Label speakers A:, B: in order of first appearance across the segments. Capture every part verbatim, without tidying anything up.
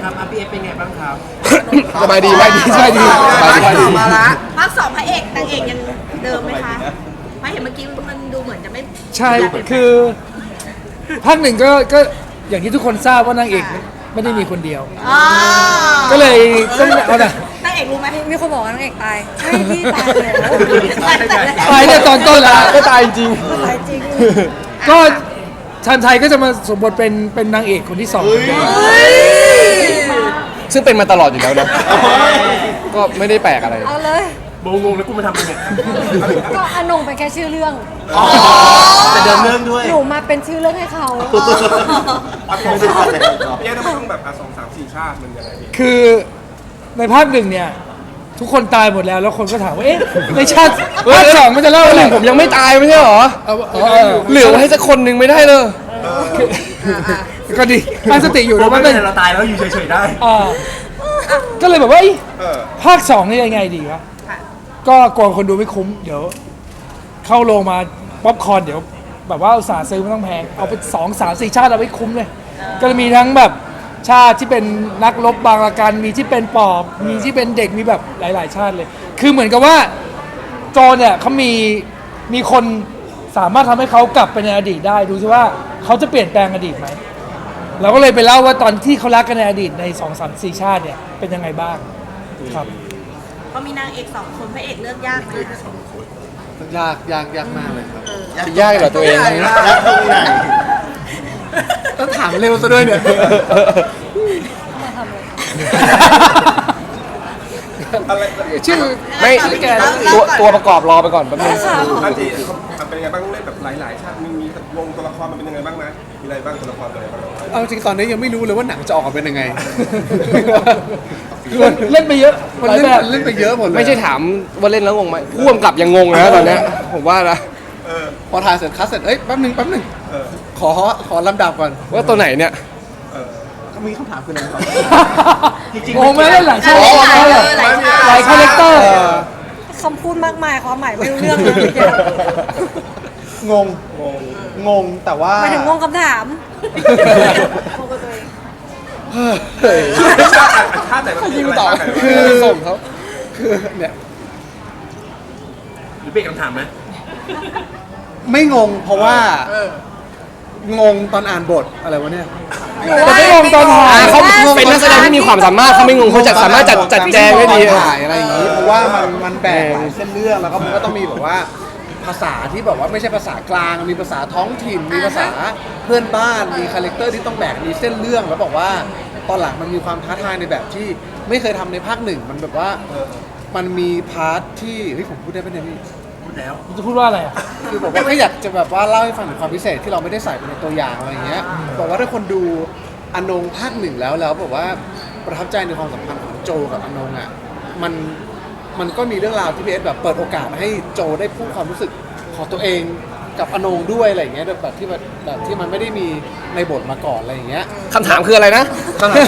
A: ครับอาพีเอฟเป็นไงบ้างครับ
B: สบายดีสบายดีสบายดีสบายดีสบายดี
A: มาละ
C: ภาคสองพระเอกนางเอกยังเดิมไหมคะเพราะเห็นเมื่อกี้มันดูเหมือนจะไม่
D: ใช่คือภาคหนึ่งก็ก็อย่างที่ทุกคนทราบว่านางเอกไม่ได้มีคนเดียว
C: อ๋อ
D: ก็เลยต้องเอาน่ะ
C: นางเอกรู้ไหม
E: มีคนบอกว่านางเอกตายใช่พี่ตายแล้ว
D: ตายเนี่ยตอนต้นละ
B: ก็ตายจริง
E: ตายจริง
D: ก็ชานไทยก็จะมาสมบทเป็นเป็นนางเอกคนที่สอง
B: ซึ่งเป็นมาตลอดอยู่แล้วนะก็ไม่ได้แปลกอะไร
E: เอาเลย
A: โบงงแล้วกูมาทำอะไรเนี่ย
E: ก็อนงเป็นแค่ชื่อเรื่อง
A: แต่เดินเรื่องด้วย
E: หนูมาเป็นชื่อเรื่องให้เขา
F: แยกได้ไม่ต้องแบบอ่ะสองสามสี่ชาติมันยังไงพี่
D: คือในภาคหนึ่งเนี่ยทุกคนตายหมดแล้วแล้วคนก็ถามว่าเอ๊ะในชาติภาคสองมันจะเล่า
B: ห
D: อะไร
B: นึ่งผมยังไม่ตายไม่ใช่เหรอ
D: เอาเอาเอา
B: เหลือไว้ให้สักคนหนึ่งไม่ได้เลย
D: ก็ดีตั้งสติอยู่
A: โบ
D: นะ
A: ไม่
D: ว่า
A: เป็
D: เป็น น
A: ไรเราตายแล้วอยู่เฉยๆได้
D: อ่าก็เลยแบบว่าเอ้ย
F: เออ
D: ภาคสองนี่ยังไงดีวะก็กลัวคนดูไม่คุ้มเดี๋ยว เข้าโรงมาป๊อปคอร์นเดี๋ยว แบบว่าอุตส่าห์ซื้อไม่ต้องแพงเอาไปสองสามสี่ชาติเอาไว้คุ้มเลย ก็จะมีทั้งแบบชาติที่เป็นนักรบบางละกันมีที่เป็นปอบมีที่เป็นเด็กมีแบบหลาย ๆ ชาติเลย คือเหมือนกับว่าโจรเนี่ยเขามีมีคนสามารถทำให้เขากลับไปในอดีตได้ดูซิว่าเขาจะเปลี่ยนแปลงอดีตไหมเราก็เลยไปเล่าว่าตอนที่เขารักกันในอดีตในสองสามสี่ชาติเนี่ยเป็นยังไงบ้างครับ
C: เพราะมีนางเอกสองคนพระเอกเลือกยากไหม
B: ยากยากยากมากเลยครับยากเหรอตัวเอง
F: ยากตรงไหน
B: ต้องถามเร็วซะด้วยเนี่ย
F: อะไร
D: ชื่อ
B: ไม่ตัวตัวประกอบรอไปก่อนแป๊บนึง
F: อาจีมันเป็นยังไงบ้างเล่นแบบหลายๆชาติมีมีวงตัวละครมันเป็นยังไงบ้างนะมีอะไรบ้างตัวละครตัวอะไรบ้าง
B: เอาจริงตอนนี้ยังไม่รู้เลยว่าหนังจะออกมาเป็นยังไง
D: เล่นไปเยอะ
B: มัน
D: หลาย
B: เล่น
D: แบบ
B: มันเล่นไปเยอะหมดเลยไม่ใช่ถามว่าเล่นแล้วงงไหมพ่วงกับยังงงนะตอนเนี้ยผมว่านะ
F: เออ
B: พอถ่ายเสร็จคัสเสร็จเอ้ยแป๊บนึงแป๊บนึง
F: เออ
B: ขอขอลำดับก่อนว่าตัวไหนเนี่ย
F: เออ
B: มีคำถามคืออะไรครับ
A: จริง
D: โอ้ไม่เล่นหลายชาติ
C: หลาย
D: ห
C: เล
D: ลาย
C: ยหลายชาติ
D: หลายคาแรคเตอร์
E: คำพูดมากมายความหมายไม่รู้เรื่องเลยเมื่อกี้
B: งง
F: งง
B: งงแต่ว่า
E: หมายถึงงงคำถามงงกับตัวเอง
F: ชาติชาติไหนมันมีอะไรบ้างไหน
B: คื
F: บ้าง
B: อส่งเขาคือเนี่ย
A: หรือเป็นคำถามไหม
B: ไม่งงเพราะว่า งงตอนอ่านบทอะไรวะเนี่ย
D: แต่ไม่งงตอนถ่าย
B: เขาเป็นนักแสดงที่มีความสามารถเขาไม่งงเขาจะสามารถจัดจัดแจงได้ดีถ่ายอะไรอย่างนี้เพราะว่ามันมันแบ่งหลายเส้นเรื่องแล้วก็มันก็ต้องมีแบบว่าภาษาที่แบบว่าไม่ใช่ภาษากลางมีภาษาท้องถิ่นมีภาษาเพื่อนบ้านมีคาแรคเตอร์ที่ต้องแบ่งมีเส้นเรื่องแล้วบอกว่าตอนหลังมันมีความท้าทายในแบบที่ไม่เคยทำในภาคหนึ่งมันแบบว่ามันมีพาร์ทที่เฮ้ยผมพูดได้ไหมเนี่ยพี่
A: พูดแล้ว
D: จะพูดว่าอะไรอ่ะ
B: คือบอกว่าก็อยากจะแบบว่าเล่าให้ฟังถึงความพิเศษที่เราไม่ได้ใส่ไปในตัวอย่างอะไรอย่างเงี้ยบอกว่าถ้าคนดูอนงภาคหนึ่งแล้วแล้วบอกว่าประทับใจในความสัมพันธ์ของโจกับอนงอ่ะมันมันก็มีเรื่องราวที่พีเอสแบบเปิดโอกาสให้โจได้พูดความรู้สึกของตัวเองกับอนงด้วยอะไรอย่างเงี้ยแบบที่แบบแบบที่มันไม่ได้มีในบทมาก่อนอะไรอย่างเงี้ยคำถามคืออะไรนะคำถาม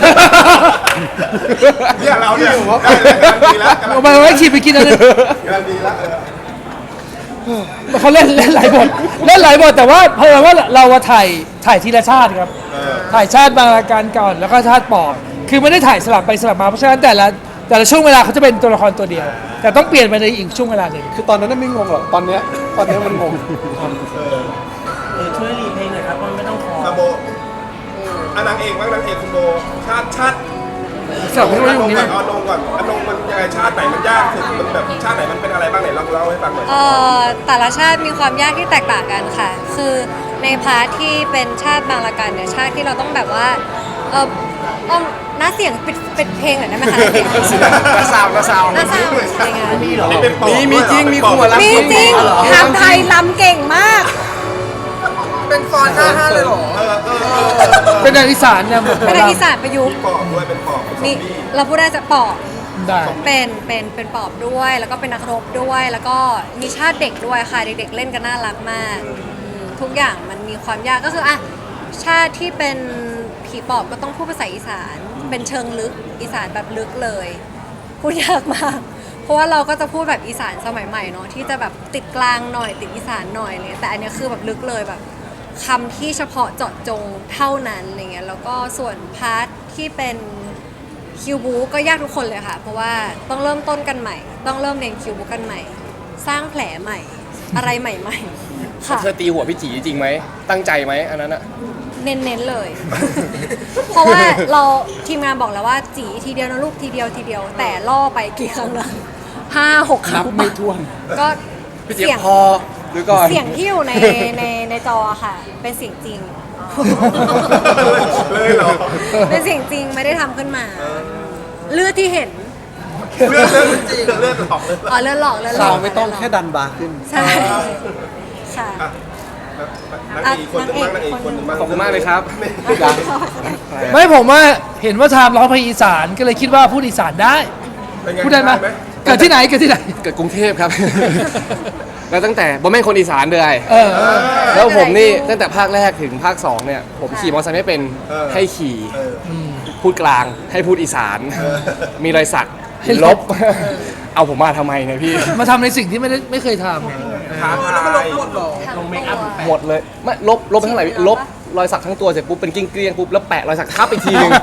F: เนี่ยเราเนี่ยได้เลยกำลังดีแล้วกำลัง
D: เอาไปไว้ขีดไปกินอะไร
F: กำลังดีแล้วเออ
D: เขาเล่นเล่นหลายบทเล่นหลายบทแต่ว่าเพราะว่าเราอะถ่ายถ่ายทีละชาติครับ
F: เออ
D: ถ่ายชาติบางรายการก่อนแล้วก็ชาติปอบคือไม่ได้ถ่ายสลับไปสลับมาเพราะฉะนั้นแต่ละแต่ละช่วงเวลาเขาจะเป็นตัวละครตัวเดียว แต่ต้องเปลี่ยนไปในอีกช่วงเวลาหนึ่ง
B: คือตอนนั้นนะไม่งงหรอกตอนเนี้ยตอนเนี้ยมันงง
A: เออช่วยรีเพลงหน่อยครับมันไม่ต้องคอ
F: ซาโบอ่ะนางเอกบ้างนางเอกคุณโบชาติชาติ
D: สลับไม่รู้
F: อน
D: ตรง งนี้
F: ก่อ
D: นะ
F: นอนลงก่อนอนงมันยังไงชาติไหนมันยากสุดมันแบบชาติไหนมันเป็นอะไรบ้างไหนลองเล่าให้ฟังหน่อย
E: เอ่อแต่ละชาติมีความยากที่แตกต่างกันค่ะ คือในพาร์ทที่เป็นชาติบางละกันเนี่ยชาติที่เราต้องแบบว่าเออต้องหน้าเสียงปิดปิดเพลงหน่อยได้ไหมคะหน้าเสียง
B: กระซาวกระซาว
E: หน้าเสียงอะไรเงี้ย
A: มีเหรอ
F: นี่เป็นปอบ
B: มีมีจริงมีครูอะรับ
E: มีจริงทำไทยลำเก่งมาก
B: เป็นฟอนต์ห้าห้าเลยหรอ
F: เออเออเออเออ
D: เป็นทางอีสานเนี่ยหมด
E: เป็นทางอีสานประยุกต์
F: ปอบด้วยเป็นปอบเป็นซอม
E: นี่
F: บี้
E: เราพูดได้จะปอบ
D: ได้
E: เป็นเป็นเป็นปอบด้วย แล้วก็เป็นนักรบด้วย แล้วก็มีชาติเด็กด้วยค่ะเด็กๆเล่นกันน่ารักมากอืมทุกอย่างมันมีความยากก็คืออ่ะชาติที่เป็นผีปอบก็ต้องพูดภาษาอีสาน เป็นเชิงลึกอีสานแบบลึกเลยพูดยากมาก เพราะว่าเราก็จะพูดแบบอีสานสมัยใหม่เนาะที่จะแบบติดกลางหน่อยติดอีสานหน่อยอะไรเลยแต่อันเนี้ยคือแบบลึกเลยแบบคำที่เฉพาะเจาะจงเท่านั้นอะไรเงี้ยแล้วก็ส่วนพาร์ทที่เป็นคิวบูก็ยากทุกคนเลยค่ะ เพราะว่าต้องเริ่มต้นกันใหม่ ต้องเริ่มเรียนคิวบูกันใหม่ สร้างแผลใหม่ อะไรใหม่ๆค่ะ
G: เธอตีหัวพี่จีจริงไหมตั้งใจไหมอันนั้นอะ
E: เน้นๆเลย เพราะว่าเราทีมงานบอกแล้วว่าจีทีเดียวนะลูกทีเดียวทีเดียว แต่ล่อไปกี่ครั้งแล้วห้าหกครั้
B: นั
E: ง
B: บไม่ถ้วน
E: ก็
G: พี่จี
E: เสียง
G: พอหรือก่อน
E: เสียงที่อยู่ในในในจอค่ะ เป็นเสียงจริง
F: เลยเหรอ
E: เป็นเสียงจริงไม่ได้ทำขึ้นมา เลือดที่เห็น
F: เลือดเลือดจริงเลือดหลอกเลย
E: อ๋อเลือดหลอกเลือดหล
B: เรา
E: อก
B: ไม่ต้องแค่ดันบาร์ขึ้น
E: ใช่ค่ะ
F: นางเอกคนหนึ่งบ้างนางเอกคนหนึ่งบ้าง
G: ขอบคุณมากเลยครับ
D: ไม่ผมว่าเห็นว่าทามร้องเพลงอีสานก็เลยคิดว่าพูดอีสานได้
F: เป็นง
D: พูดได้ไหมเกิดที่ไหนเกิดที่ไหน
G: เกิดกรุงเทพครับ แล้วตั้งแต่ผมเป็นคนอีสานเลย
D: เออ
G: แล้วผมนี่ตั้งแต่ภาคแรกถึงภาคสองเนี่ยผมขี่มอเตอร์ไซค์ไม่เป็นให้ขี่
F: เออ
G: พูดกลางให้พูดอีสาน
F: เออ
G: มีรอยสัก
D: ให้
G: ล
D: ล
G: บบ เอาผมมาทำไมเนี่ยพี่
D: มาทำในสิ่งที่ไม่ได้ไม่เคยท
F: ท้าทาย
E: ลงเมคอัพ
G: หมดเลยไม่ลบลบไปเท่าไหร่ลบรอยสักทั้งตัวเสร็จปุ๊บเป็นกิ้งเกลี้ยงปุ๊บแล้วแปะรอยสักทับอีกทีหนึง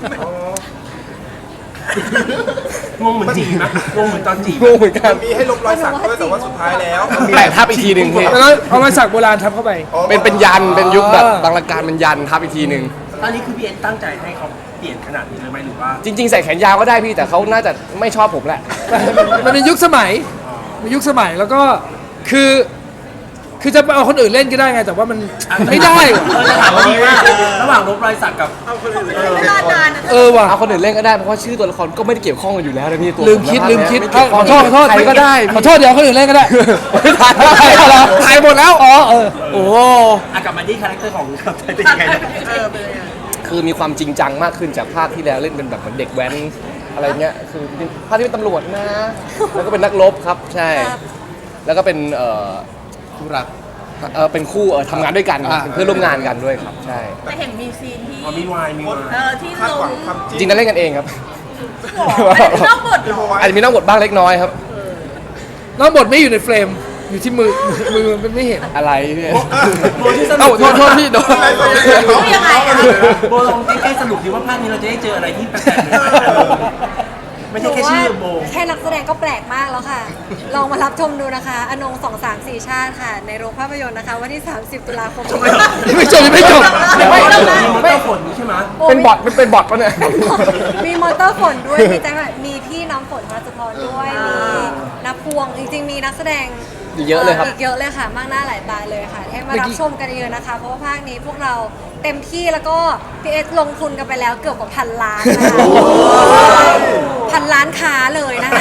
A: งงเหมือนจีบนะงงเหมือนตอนจีบ
G: งงเหมือนกัน
F: มีให้ลบรอยสักด้วยแต่ว่าสุดท้ายแล้ว
G: แปะทับอีกทีหนึ่งพี่
D: ำแล้วก็เอามาสักโบราณทับเข้าไป
G: เป็นเป็นยันเป็นยุคแบบ
D: เออ
G: บางละการเป็นยันทับอีกทีหนึ่ง
A: ตอนนี้คือพี่เอ็นตั้งใจให้เขาเปลี่ยนขนาดนี้เลยไหมหรือว่า
G: จริง ๆ ใส่แขนยาวก็ได้พี่แต่เขาน่าจะไม่ชอบผมแหละ
D: มันเป็นยุคสมัยมันยุคสมัยแล้วก็คือ คือจะไปเอาคนอื่นเล่นก็ได้ไง แต่ว่ามันไม่ได้ว่ะ
A: เออจะถามว่าดีมากระหว่างลบรอยสักกับ
C: เวลานานอะ
D: เออว่ะ
G: เอาคนอื่นเล่นก็ได้เพราะว่าชื่อตัวละครก็ไม่ได้เกี่ยวข้องกันอยู่แล้วนะพี่ตัว
D: ลืมคิดลืมคิด
G: ไเกี่ยวข้
D: ข
G: อง
D: อโทษขอโทษ
G: ใครก็ได้
D: ขอโทษเดี๋ยวคนอื่นเล่นก็ได้
G: ไม่ถ่ายแล้วถ่ายแล้วถ่ายหมดแล้ว
D: อ๋อเออ
G: โอ้
A: อ่ะกลับมาที่คาแรคเตอร์ของครับเป็นยังไงนะ
C: เออเป็นยังไง
G: คือมีความจริงจังมากขึ้นจากภาคที่แล้วเล่นเป็นแบบเหมือนเด็กแว้นอะไรเงี้ยคือภาคที่เป็นตำรวจนะ แล้วก็เป็นนักรบครับใช่
E: ครับ
G: แล้วก็เป็นเอ่อ
B: คู่รัก
G: เอ่อเป็นคู่เอ่อทำงานด้วยกัน
B: อ่า
G: เป็นเพื่อนร่วมงานกันด้วยครับใช่
C: แต่เห็นมีซีนที่
A: อ๋อมีวายมีวาย
C: เออที่
F: คาด
C: ล
F: หวั
C: ง
F: งความจ
G: จ
F: ริ
G: ริ
F: ง
G: งๆนั้นเล่นกันเองครับ
C: นอกบทเหรอ
G: อาจจะมีนอกบทบ้างเล็กน้อยครับ
D: น้องบทไม่อยู่ในเฟรม อยู่ที่มือ มือมันไม่เห็น
G: อะไรพี่
A: โบที่สรุ
G: เอ้า
A: ป
G: โทษโทษพี่โดน
C: ยังไงอะ
A: โบลองใกล้ๆสรุปดีว่าภาคนี้เราจะได้เจออะไรที่แปลกๆใหม่ๆไม่ใช่แค่ชื่อโบ
E: แค่นักแสดงก็แปลกมากแล้วค่ะ ลองมารับชมดูนะคะ อนงสองสามสี่ชาติค่ะ ในโรงภาพยนตร์นะคะ วันที่ สามสิบ ตุลาคมนี้
D: ยังไม่จบยังไม่จบ
A: ไม่ไม่ไม่ฝนใช่ไหม
G: เป็นบอทเป็นเป็นบอทปะเนี่ย
E: มีมอเตอร์ฝนด้วย มีแจ็คแบบมีพี่น้ำฝนพรสุพรด้วย มีนักพวง จริงๆ มีนักแสดง
G: เยอะเลยครับ
E: อีกเยอะเลยค่ะ มากหน้าหลายตาเลยค่ะ ให้มารับชมกันเยอะนะคะ เพราะว่าภาคนี้พวกเราเต็มที่แล้วก็พีเอสลงทุนกันไปแล้วเกือบกว่าพันล้านนะคะพันล้านค้าเลยนะคะ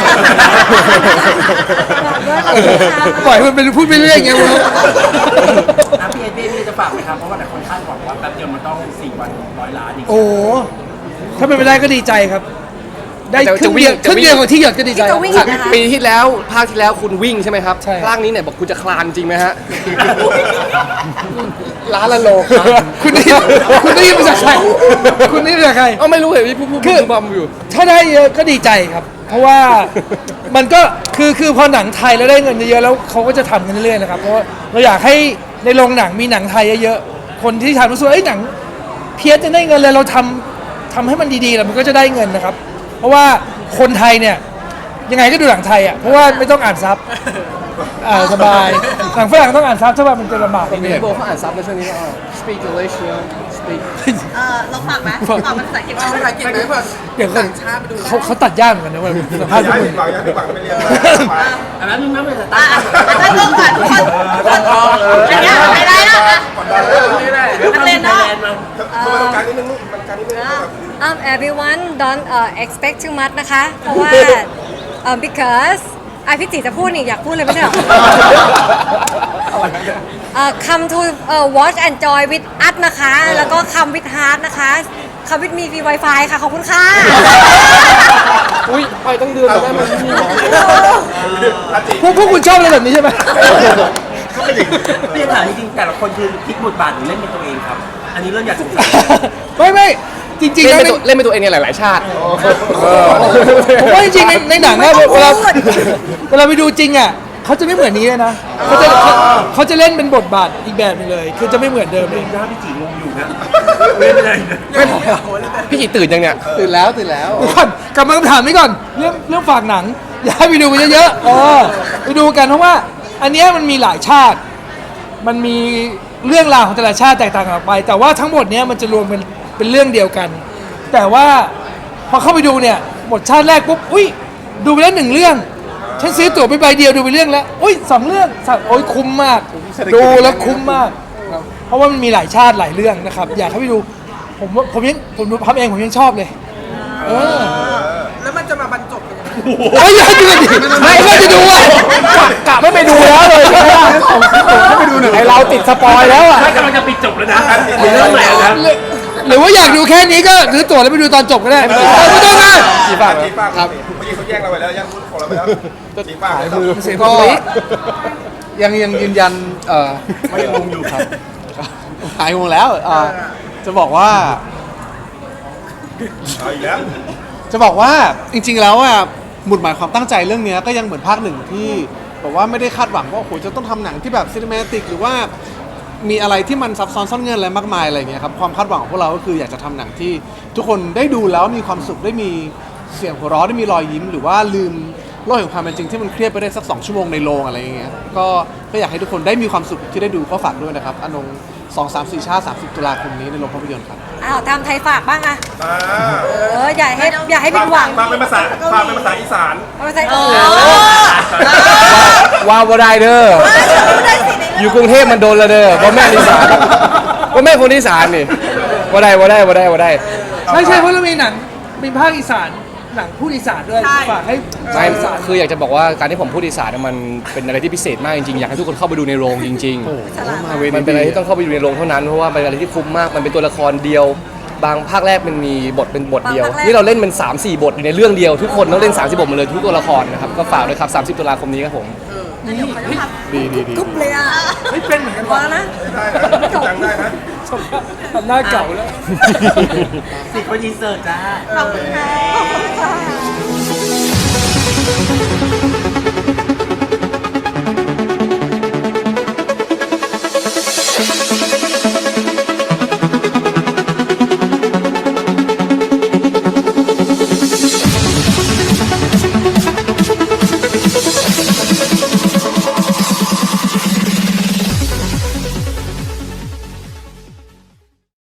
E: บอกด้วยขอบคุณค่ะ
D: ปล่อยมันเป็นพูดไปเรื่อยไงวะ
A: อ่ะพี่เอ็นพี่เอ็นจะฝากไหมครับเพราะว่าหลายคนคาดหวังว่าแป๊บเดียวมันต้องสี่วันร้อยล้านอีก
D: โอ้โหถ้าเป็นไปได้ก็ดีใจครับ ได้
G: แต่
D: ครึ่งเดียว
G: จะวิ่ง
D: ครึ่งเดียวของที่หยดก็ดีใจ
E: ที่จะวิ่ง นะคะ
G: ปีที่แล้วภาคที่แล้วคุณวิ่งใช่ไหมครับ
D: ใช่
G: ภาคนี้เนี่ยบอกคุณจะคลานจริงไหมฮะ ล้านละโลครับ
D: คุณได้ยินคุณได้ยินมาจากใคร คุณได้ยินมาจากใคร
G: เอ้าไม่รู้เหรอพี่พูดพูด
D: คือ
G: พูดบอมอยู่
D: ถ้าได้เยอะก็ดีใจครับ เพราะว่ามันก็คือคือพอหนังไทยแล้วได้เงินเยอะๆแล้วเขาก็จะทำกันเรื่อยๆนะครับ เพราะว่าเราอยากให้ในโรงหนังมีหนังไทยเยอะๆ คนที่ทำรู้สึกว่าเอ้ยหนังเพี้ยนจะได้เงินเลยเราทำทำให้มันดีๆแล้วมันก็จะได้เงินนะครับ เพราะว่าคนไทยเนี่ยยังไงก็ดูหนังไทยอ่ะ เพราะว่าไม่ต้องอ่านซับอ่าสบาย หนังฝรั่งต้องอ่านซับถ้าว่ามันจะลำบากนิดนึง
G: พี่โบเขาอ่านซับในช่วงนี้ก็ speak English you know, speak
C: เออลองฝากไหมฝากภาษาอังกฤษไหม
F: ภาษาอังกฤษไหมเพื่อน
D: เดี๋ยวก่อนเขาเขาตัดยากเหมือนกันนะเว่าสัมภาษณ์พว
F: ย้าก ย
D: มึ
F: ผิ
D: ง
F: ดหวังย้ายผิดหวังไปเรียนมา
A: อันนั้นมึงไม่เป็นส
C: อ่ะ
A: ตาร์
C: อ่ะถ้าลงก่อนทุกคนอันเนี้ยไม่ได้แล้วอ่ะ
A: เดี๋ยวทำไทยแลนด์มา
F: เข้ามาตรงกลางนิดนึงลูกมันกลางนิดนึงครับ
E: Um, everyone don't uh, expect too much นะคะ เพราะว่า uh, because อ่ะพี่จีจะพูดนี่อยากพูดเลยไม่ใช่เหรอ uh, come to uh, watch and enjoy with us นะคะ แล้วก็ come with heart นะคะ come with me ฟรี Wi-Fi ค่ะ ขอบคุณค่ะ
G: อุ้ยไปตั้งเดือนแล้วได้ไหมพี่หมอ
D: พวกพวกคุณชอบอะไรแบบนี้ใช่ไหม
A: พี่ถามจริงๆแต่ละคนคือพลิกบทบาทหรือเล่นเป็นตัวเองครับ อันนี้เริ่มอยากสงสัย
D: ไม่ไม่จริงๆ
G: เล่
D: แล้ว
G: นเป็นตัวเล่นเป็นตัวเองในหลาย ๆ ชาติ
D: ผมว่าจริงๆในในหนังอะ
E: ไม่
D: เว
E: ต้
D: ลา
E: องพูด
D: เวลาไปดูจริงอะเขาจะไม่เหมือนนี้เลยนะเขาจะเขาเขาจะเล่นเป็นบทบาทอีกแบบหนึงเลย คือจะไม่เหมือนเดิมเลย
A: ถ้าพี่จีงงอยู่นะเล่นอะไรนะ
G: ไม่พี่จีตื่นยังเนี่ย
B: ตื่นแล้วตื่นแล้ว
D: เดี๋ยวก่อนกลับมาคำถามนี้ก่อนเรื่องเรื่องฝากหนัง อยากให้ไปดูกันเยอะๆเออไปดูกันเพราะว่า อันเนี้ยมันมีหลายชาติ มันมีเรื่องราวของแต่ละชาติแตกต่างกันออกไป แต่ว่าทั้งหมดเนี้ยมันจะรวมเป็นเป็นเรื่องเดียวกัน แต่ว่าพอเข้าไปดูเนี่ยหมดชาติแรกปุ๊บอุ้ยดูไปแล้วหนึ่งเรื่องฉันซื้อตั๋วไปใบเดียวดูไปเรื่องแล้วอุ้ยสองเรื่องสัตว์โอ้ยคุ้มมาก
B: เศรษฐกิจ
D: ดูแล้วคุ้มมากครับเพราะว่ามันมีหลายชาติหลายเรื่องนะครับ อยากให้ไปดูผมว่าผมยังผมดูพับเองผมยังชอบเลยเออ
C: แล้วมันจะมาบรรจบกันยังไง
D: โอ้ยอย่าดูดิไม่ก็จะดูอ่ะกะไม่ไปดูแล้วเลยไม่ไปดูหนึ่ง
G: ไอเราติดสปอยแล้วอ่ะ
A: ไม่กำลังจะปิดจบแล้วนะเรื่องไหนนะ
D: หรือว่าอยากดูแค่นี้ก็ซื้อตั๋วแล้วไปดูตอนจบก็ได้ไม่ต้องนะ
G: จีบปาก
F: จีป้าครับเมื่อกี้เขาแย่งเราไปแล้วแย่งพูดของเราไปแล้วจีป้า
D: เสียง
B: ก็
D: ก็
B: ยังยังยืนยันเอ่อ
A: ไม่ยังงงอยู่ครับ
B: หายงงแล้วเอ่อจะบอกว่า
F: เอาอีกแล้ว
B: จะบอกว่าจริงๆแล้วอ่ะหมุดหมายความตั้งใจเรื่องเนี้ยก็ยังเหมือนภาคหนึ่งที่บอกว่าไม่ได้คาดหวังว่าโอ้โหจะต้องทำหนังที่แบบซีนิเมติกหรือว่ามีอะไรที่มันซับซ้อนซ่อนเงื่อนอะไรมากมายอะไรอย่างเงี้ยครับความคาดหวังของพวกเราก็คืออยากจะทำหนังที่ทุกคนได้ดูแล้วมีความสุขได้มีเสียงหัวเราะได้มีรอยยิ้ม หรือว่าลืมโลกแห่งความเป็นจริงที่มันเครียดไปได้สักสองชั่วโมงในโรงอะไรอย่างเงี้ยก็ก็อยากให้ทุกคนได้มีความสุขที่ได้ดูก็ฝากด้วยนะครับอนงสองสามสี่ชาติสามสิบตุลาคมนี้ในโรงภาพยนตร์ครับ
E: อ้าวทำไทยฝากบ้างอะ
F: อ่า
E: เอออย่าให้อย่าให้ผิดหวัง
F: ฟังเป็นภาษาฟังเป็นภาษาอีสาน
E: ไม่ใช่เออ
G: ว้าวบ่ได้เด้ออยู่กรุงเทพมันโดนละเด้อเพราะแม่อีสานเพราะแม่คนอีสานนี่บ่ได้บ่ได้บ่ได้บ่ได้
D: ใช่ใช่เพราะเรามีหนังมีภาคอีสานหนังพูดอีสานด้วยฝากให้
G: ไม่
D: อีสาน
G: คืออยากจะบอกว่าการที่ผมพูดอีสานเนี่ยมันเป็นอะไรที่พิเศษมากจริงๆ อยากให้ทุกคนเข้าไปดูในโรงจริง
B: โอ้โหมาเว
G: ๆ มันเป็นอะไรที่ต้องเข้าไปดูในโรงเท่านั้น เพราะว่าเป็นอะไรที่คุ้มมาก มันเป็นตัวละครเดียว บางภาคแรกมันมีบทเป็นบทเดียว นี่เราเล่นเป็นสามสี่ บทอยู่ในเรื่องเดียว ทุกคนต้องเล่นสามสิบบทหมดเลยทุกตัวละครนะครับ ก็ฝากด้วยครับสามสิบตุลาคมนี้ครับผม
D: นี่
B: ดีดีดี
E: ทุบเลยอ่ะ
D: ไม่เป็นเหมือนกัน
E: พอ
D: วะ
E: แล้วนะ
F: ได้นะจังได้นะ
D: ทำหน้าเก่าแล้ว
A: สิคนยินเสิร์ตจ้า
C: ขอบคุณค่ะ
E: ขอบคุณค่ะ